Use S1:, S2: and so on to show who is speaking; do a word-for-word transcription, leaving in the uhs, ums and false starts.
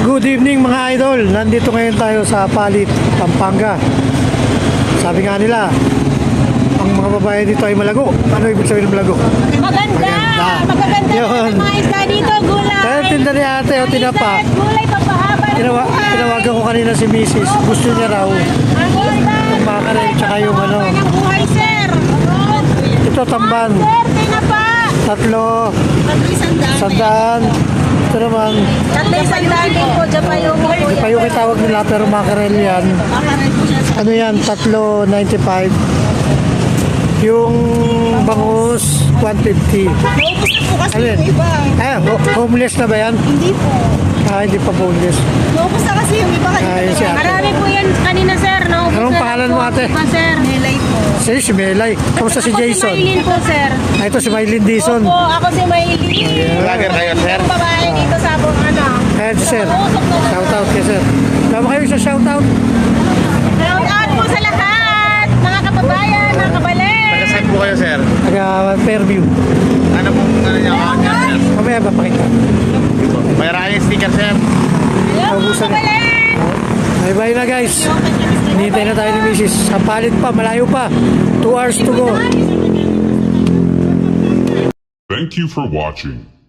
S1: Good evening mga idol. Nandito ngayon tayo sa Palit, Pampanga. Sabi nga nila, ang mga babae dito ay malago. Ano ibig sabihin ng malago?
S2: Maganda!
S1: Maganda.
S2: Magaganda
S1: Yun.
S2: ng mga isda dito, gulay!
S1: Kaya tinda ni ate o tinapa.
S2: Isda at gulay, papahaba ng
S1: Tinawa,
S2: buhay.
S1: tinawagan ko kanina si Missus Gusto niya raw.
S2: Ang isda,
S1: Yung makarel, tsaka yung ano.
S2: papahaba ng buhay, sir!
S1: Ito tamban.
S2: Sir, tinapa!
S1: Tatlo.
S2: Isandaan.
S1: Sandaan. Ito naman.
S2: Tatlo isandaan din po, Japayuki po.
S1: Ipa yung itawag nila pero makarel yan. Ano yan? Tatlo ninety-five. Yung bangus one fifty.
S2: Naubos na po kasi
S1: Alin?
S2: yung iba.
S1: Ah, ho- homeless na ba yan?
S2: Hindi po.
S1: Ah, hindi pa homeless.
S2: Naubos na kasi yung iba.
S1: Ah, yun si ate.
S2: Marami po yan kanina, sir. Naubos
S1: Anong
S2: na
S1: pangalan
S2: po.
S1: mo, ate?
S2: Iba, sir. Nelay po.
S1: Si, si Melay. Kamusta si
S2: Ako
S1: Jason?
S2: si Maylin po, sir.
S1: Ah, ito si Maylin Dison.
S2: Opo, ako si Maylin.
S3: Vlogger kayo, sir?
S2: Yung babae dito sa buong ano.
S1: Ayan si sir.
S2: Usok na lang.
S1: Shout out kay sir. Tama kayo sa shout out.
S2: Shout out po sa lahat, mga kababayan, mga kabalen.
S3: Taga-saan po kayo, sir?
S1: Taga Fairview.
S3: Ano pong ano niya? Ano niya?
S1: Mamaya ba pakita?
S3: Mayroon kayong sticker, sir?
S2: Hello, mga
S1: Naubusan na.
S2: kabalen.
S1: Bye bye na guys. Hinihintay na tayo ni Missus Sa Palit pa, malayo pa. Two hours to go.
S4: Thank you for watching.